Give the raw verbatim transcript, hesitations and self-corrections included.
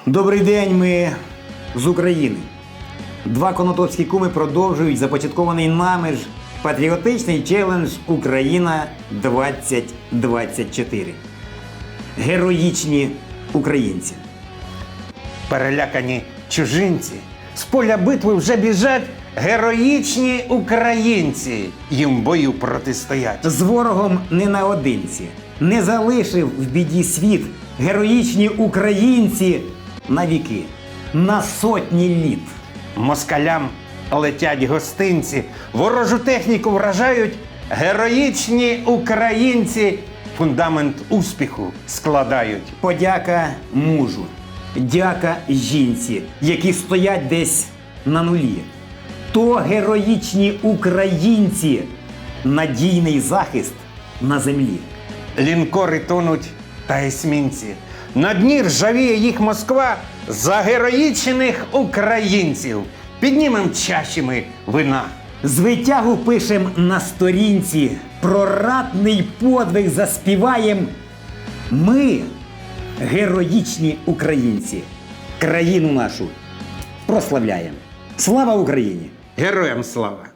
Добрий день, ми з України. Два конотопські куми продовжують започаткований нами ж патріотичний челендж «Україна двадцять двадцять чотири». Героїчні українці. Перелякані чужинці. З поля битви вже біжать героїчні українці. Їм в бою протистоять. З ворогом не наодинці. Не залишив в біді світ героїчні українці на віки, на сотні літ. Москалям летять гостинці, ворожу техніку вражають героїчні українці. Фундамент успіху складають. Подяка мужу, дяка жінці, які стоять десь на нулі. То героїчні українці, надійний захист на землі. Лінкори тонуть та есмінці. На дні ржавіє їх Москва за героїчних українців. Піднімем чаші ми вина. З витягу пишем на сторінці, про ратний подвиг заспіваєм. Ми, героїчні українці, країну нашу прославляємо. Слава Україні! Героям слава!